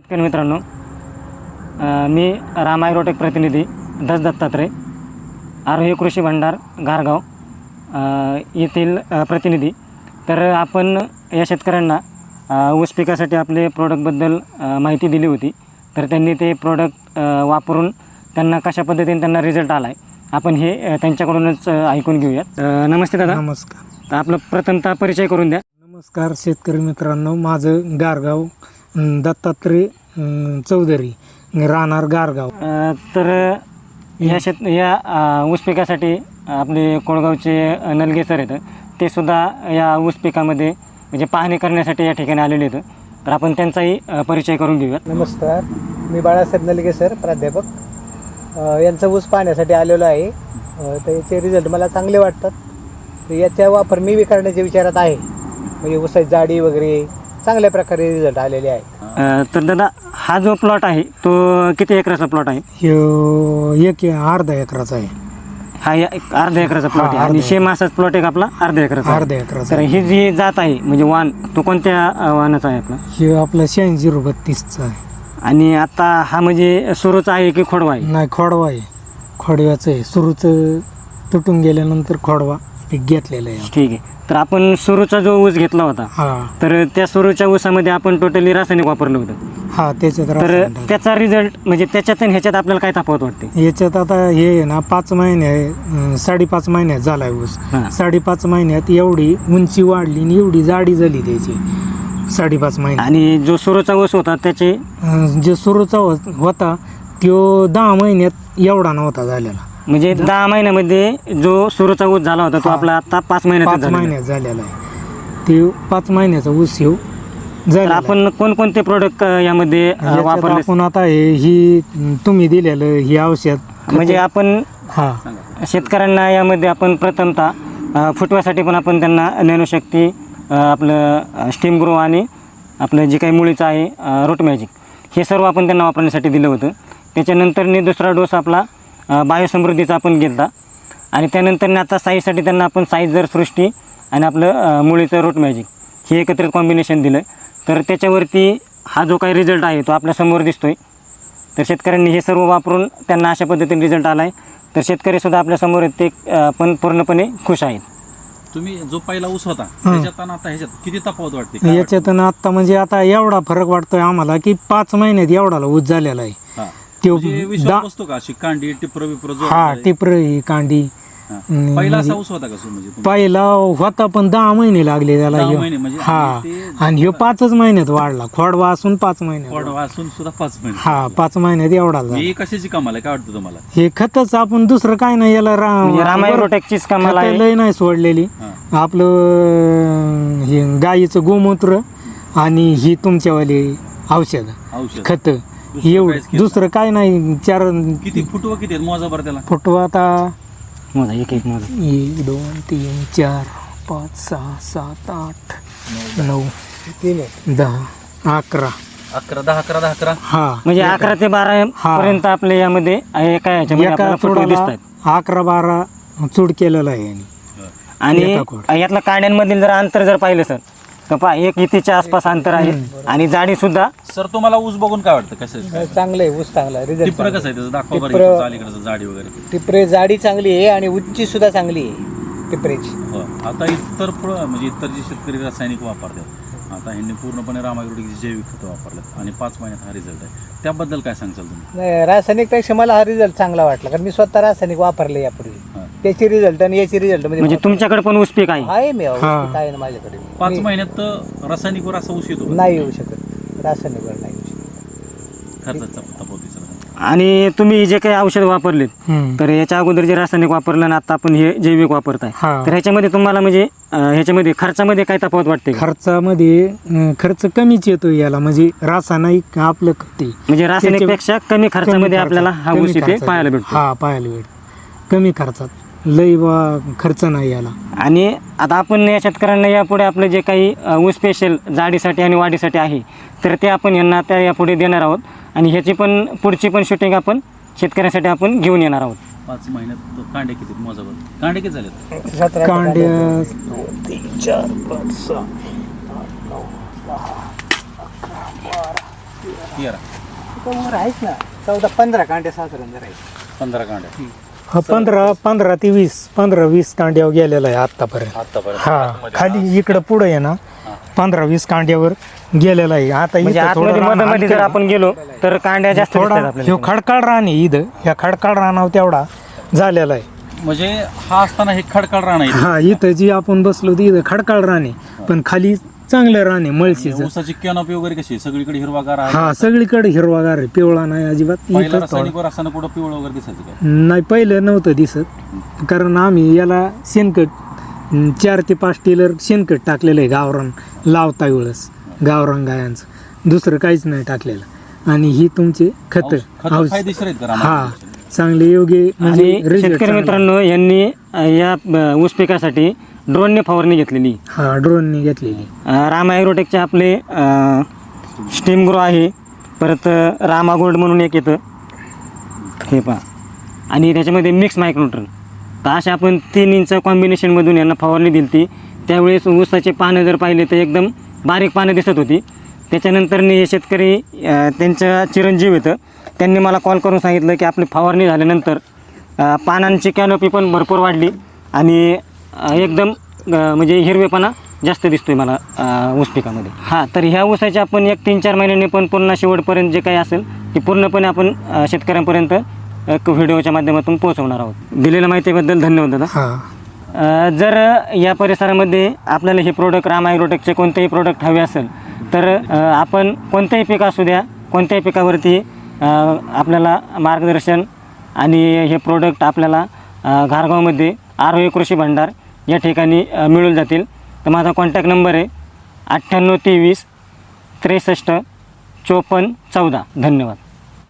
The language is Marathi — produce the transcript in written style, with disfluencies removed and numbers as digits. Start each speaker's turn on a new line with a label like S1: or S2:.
S1: शेतकरी मित्रांनो, मी राम ॲग्रोटेक प्रतिनिधी दस दत्तात्रय, आरोही कृषी भंडार गारगाव येथील प्रतिनिधी. तर आपण या शेतकऱ्यांना ऊस पिकासाठी आपले प्रोडक्टबद्दल माहिती दिली होती. तर त्यांनी ते प्रोडक्ट वापरून त्यांना कशा पद्धतीने त्यांना रिझल्ट आला आहे आपण हे त्यांच्याकडूनच ऐकून घेऊयात. नमस्ते दादा.
S2: नमस्कार.
S1: तर आपलं प्रथमतः परिचय करून द्या.
S2: नमस्कार शेतकरी मित्रांनो, माझं गारगाव दत्तात्रय चौधरी, राहणार गारगाव.
S1: तर या ऊस पिकासाठी आपले कोळगावचे नलगे सर आहेत, ते सुद्धा या ऊस पिकामध्ये म्हणजे पाहणी करण्यासाठी या ठिकाणी आलेले आहेत. तर आपण त्यांचाही परिचय करून घेऊयात.
S3: नमस्कार, मी बाळासाहेब नलगे सर, प्राध्यापक. यांचा ऊस पाहण्यासाठी आलेलो आहे. तर याचे रिझल्ट मला चांगले वाटतात. तर याचा वापर मी बी करण्याच्या विचारात आहे. म्हणजे ऊसाची जाडी वगैरे चांगल्या प्रकारे रिझल्ट आलेले आहे.
S1: तर दादा, हा जो प्लॉट आहे तो किती एकराचा प्लॉट आहे?
S2: अर्धा एकराचा आहे.
S1: हा अर्धा एकराचा प्लॉट आहे आणि सेम असाच प्लॉट एक आपला अर्धा एकराचा.
S2: अर्धा एकराचा.
S1: तर ही जी जात आहे म्हणजे वाण, तो कोणत्या वाणाचा आहे आपला?
S2: हे आपला 8632चा आहे.
S1: आणि आता हा म्हणजे सुरूचा आहे की खोडवा आहे?
S2: नाही, खोडवा आहे. खोडव्याचं आहे. सुरूचं तुटून गेल्यानंतर खोडवा पीक घेतलेलं आहे.
S1: ठीक आहे. तर आपण सुरूचा जो ऊस घेतला होता, तर त्या सुरूच्या ऊसामध्ये आपण टोटली रासायनिक वापरलं होतं.
S2: हा, त्याच्यात
S1: तर त्याचा रिझल्ट म्हणजे त्याच्यात आणि ह्याच्यात आपल्याला काय तफावत वाटते?
S2: याच्यात आता हे ना 5 महिने 5.5 महिन्यात झालाय ऊस. 5.5 महिन्यात एवढी उंची वाढली आणि एवढी जाडी झाली त्याची 5.5 महिने.
S1: आणि जो सुरूचा ऊस होता त्याचे
S2: जो सुरूचा होता तो 10 महिन्यात एवढा नव्हता झालेला.
S1: म्हणजे 10 महिन्यामध्ये जो सुरूचा ऊस झाला होता तो आपला आता 5 महिन्यात
S2: झालेला आहे. ते 5 महिन्याचा ऊस येऊ.
S1: तर आपण कोणकोणते प्रोडक्ट यामध्ये वापरले?
S2: आपण आता ही तुम्ही दिलेलं ही औषध
S1: म्हणजे आपण शेतकऱ्यांना यामध्ये आपण प्रथमतः फुटव्यासाठी पण आपण त्यांना नॅनोशक्ती, आपलं स्टीम ग्रो आणि आपलं जे काही मुळीचं आहे रूट मॅजिक, हे सर्व आपण त्यांना वापरण्यासाठी दिलं होतं. त्याच्यानंतरने दुसरा डोस आपला बायोसमृद्धीचा आपण घेतला आणि त्यानंतरने आता साईजसाठी त्यांना आपण साईजर सृष्टी आणि आपलं मुळीचं रूट मॅजिक हे एकत्रित कॉम्बिनेशन दिलं. तर त्याच्यावरती हा जो काही रिझल्ट आहे तो आपल्यासमोर दिसतोय. तर शेतकऱ्यांनी हे सर्व वापरून त्यांना अशा पद्धतीने रिझल्ट आला आहे. तर शेतकरीसुद्धा आपल्यासमोर ते पण पूर्णपणे खुश आहेत.
S4: तुम्ही जो पहिला ऊस होता त्याच्यात आणि आता ह्याच्यात किती तफावत वाटते?
S2: याच्यात आता म्हणजे आता एवढा फरक वाटतोय आम्हाला की 5 महिन्यात एवढा ऊस झालेला आहे.
S4: बसतो का अशी कांडी टिपर विपर?
S2: टिपर ही कांडी.
S4: पहिला असा ऊस होता का म्हणजे?
S2: पहिला होता पण 10 महिने लागले त्याला. आणि ह्यो 5 महिन्यात वाढला. खोडवा असून 5 महिन्यात.
S4: खोडवा असून सुद्धा 5 महिने.
S2: 5 महिन्यात एवढा झाला.
S4: ही कशाची कमाल आहे काय वाटतं तुम्हाला?
S2: हे खतच आपण दुसरं काय नाही, याला
S1: राम ॲग्रोटेकचीच कमाल आहे.
S2: लय नाही सोडलेली. आपलं हे गाईचं गोमूत्र आणि ही तुमच्यावाली औषध खत, एवढं दुसरं काय नाही.
S4: किती फुटवा किती आहेत मोजा बरं त्याला?
S2: फुटवा आता
S1: मोजा, एक
S2: 1 2 3 4 5 6 7 8 9 10 11
S4: 11.
S1: म्हणजे 11 ते 12 पर्यंत आपल्या यामध्ये एका ह्याच्यामध्ये फुटवे दिसतात.
S2: 11-12 चूड केलेलं आहे.
S1: आणि यातला कांड्यांमधील जर अंतर जर पाहिलं सर तर पहा 1 इथेच्या आसपास अंतर आहे आणि जाडी सुद्धा.
S4: सर तुम्हाला ऊस बघून काय वाटतं? कसं
S3: चांगलं आहे ऊस, चांगला रिझल्ट.
S4: टिपर कसं आहे त्याचं? दाखवा बरं अलीकडचं जाडी वगैरे.
S3: टिपरे जाडी चांगली आहे आणि उंची सुद्धा चांगली आहे टिपरेची.
S4: आता इतर म्हणजे इतर जे शेतकरी रासायनिक वापरतात, आता ह्यांनी पूर्णपणे राम ॲग्रोटेकची जैविक खतं वापरतात आणि 5 महिन्यात हा रिझल्ट आहे. त्याबद्दल काय सांगचाल तुम्ही?
S3: नाही, रासायनिकपेक्षा मला हा रिझल्ट चांगला वाटला, कारण मी स्वतः रासायनिक वापरले यापूर्वी. त्याची रिझल्ट आणि याची रिझल्ट
S1: म्हणजे तुमच्याकडे पण ऊस पीक आहे?
S3: मी आहे ना माझ्याकडे.
S4: 5 महिन्यात रासायनिकवर असा ऊस येतो?
S3: नाही येऊ शकत, रासायनिकवर नाही येऊ शकत.
S4: खर्चाचा तफावत.
S1: आणि तुम्ही जे काही औषध वापरलेत, तर याच्या अगोदर जे रासायनिक वापरलं आणि आता आपण हे जैविक वापरताय, तर ह्याच्यामध्ये तुम्हाला म्हणजे ह्याच्यामध्ये खर्चामध्ये काय तफावत वाटते?
S2: खर्चामध्ये खर्च कमीच येतो याला. म्हणजे रासायनिक आपलं
S1: म्हणजे रासायनिक पेक्षा कमी खर्चामध्ये आपल्याला हा ऊस इथे पाहायला भेटतो.
S2: पाहायला भेटतो कमी खर्चात. लई खर्च नाही याला.
S1: आणि आता आपण या शेतकऱ्यांना यापुढे आपलं जे काही ऊस स्पेशल जाडीसाठी आणि वाढीसाठी आहे तर ते आपण यांना त्या यापुढे देणार आहोत आणि ह्याची पण पुढची पण शूटिंग आपण शेतकऱ्यांसाठी आपण घेऊन येणार आहोत.
S4: 5 महिन्यात कांडे किती मोजावर? कांडे किती झालेत?
S3: 17
S2: कांडे
S3: 2 3 4 5 6 8 9 10 11 12
S4: तेरा
S3: वर आहेच ना 14-15 कांड्या साधारण जर आहे
S4: 15 कांड्या
S2: हा 15 ते 20 कांड्यावर गेलेला आहे आतापर्यंत.
S4: आतापर्यंत
S2: हा खाली इकडं पुढे आहे ना 15-20 कांड्यावर गेलेला आहे. आता
S1: म्हणजे
S2: इथं थोडं
S1: आतमध्ये
S2: रान
S1: मध्ये जर
S2: हलकं आहे.
S1: आपण गेलो तर कांड्या जास्त
S2: थोडा
S1: दिसतात आपल्याला.
S2: ह्यो खडकाळ रान आहे इथं, ह्या खडकाळ रानावर तेवढा झालेला आहे.
S4: म्हणजे हा असताना हे खडकाळ रान आहे
S2: हा इथं जी आपण बसलो ती इथं खडकाळ रान आहे, पण खाली चांगलं रान आहे मळशीचं.
S4: ऊसाची कॅनॉपी वगैरे कशी आहे? सगळीकडे हिरवागार आहे
S2: हा सगळीकडे हिरवागार आहे, पिवळा नाही अजिबात.
S4: पहिला
S2: इथं
S4: रासायनिकवर असताना कुठं पिवळं वगैरे दिसायचं काय?
S2: नाही पहिलं नव्हतं दिसत, कारण आम्ही याला शेणखत 4 ते 5 टेलर शेणखत टाकलेलं आहे गावरान लावता वेळेस, गावरान गायांचं. दुसरं काहीच नाही टाकलेलं. आणि ही तुमचे खत
S4: खतं फायदेशीर आहेत का
S2: हा
S4: रामायण?
S2: चांगले योग्य म्हणजे
S1: आणि
S2: result
S1: शेतकरी
S2: चांगले.
S1: मित्रांनो यांनी या ऊस पिकासाठी ड्रोनने फवारणी घेतलेली.
S2: हा ड्रोनने घेतलेली.
S1: राम ॲग्रोटेकचे आपले स्टीम ग्रो आहे, परत रामा गोल्ड म्हणून एक येतं हे पहा, आणि त्याच्यामध्ये मिक्स मायक्रोन्यूट्रन. तर अशा आपण 3 इंच कॉम्बिनेशनमधून यांना फवारणी दिली ती. त्यावेळेस ऊसाचे पानं जर पाहिले तर एकदम बारीक पानं दिसत होती. त्याच्यानंतर हे शेतकरी त्यांच्या चिरंजीव येतं, त्यांनी मला कॉल करून सांगितलं की आपली फवारणी झाल्यानंतर पानांची कॅनोपी पण भरपूर वाढली आणि एकदम म्हणजे हिरवेपणा जास्त दिसतोय मला ऊस पिकामध्ये. हां, तर ह्या ऊसाचे आपण 1-3-4 महिन्यांनी पण पूर्ण शेवटपर्यंत जे काही असेल ते पूर्णपणे आपण शेतकऱ्यांपर्यंत एक व्हिडिओच्या माध्यमातून पोहोचवणार आहोत. दिलेल्या माहितीबद्दल धन्यवाद दादा.
S2: हा
S1: जर या परिसरामध्ये आपल्याला हे प्रोडक्ट राम ॲग्रोटेकचे कोणतेही प्रोडक्ट हवे असेल तर आपण कोणतेही पीक असू द्या, कोणत्याही पिकावरती आपल्याला मार्गदर्शन आणि हे प्रोडक्ट आपल्याला घारगावमध्ये आरोग्य कृषी भांडार या ठिकाणी मिळून जातील. तर माझा कॉन्टॅक्ट नंबर आहे 98 23 63 54 14. धन्यवाद.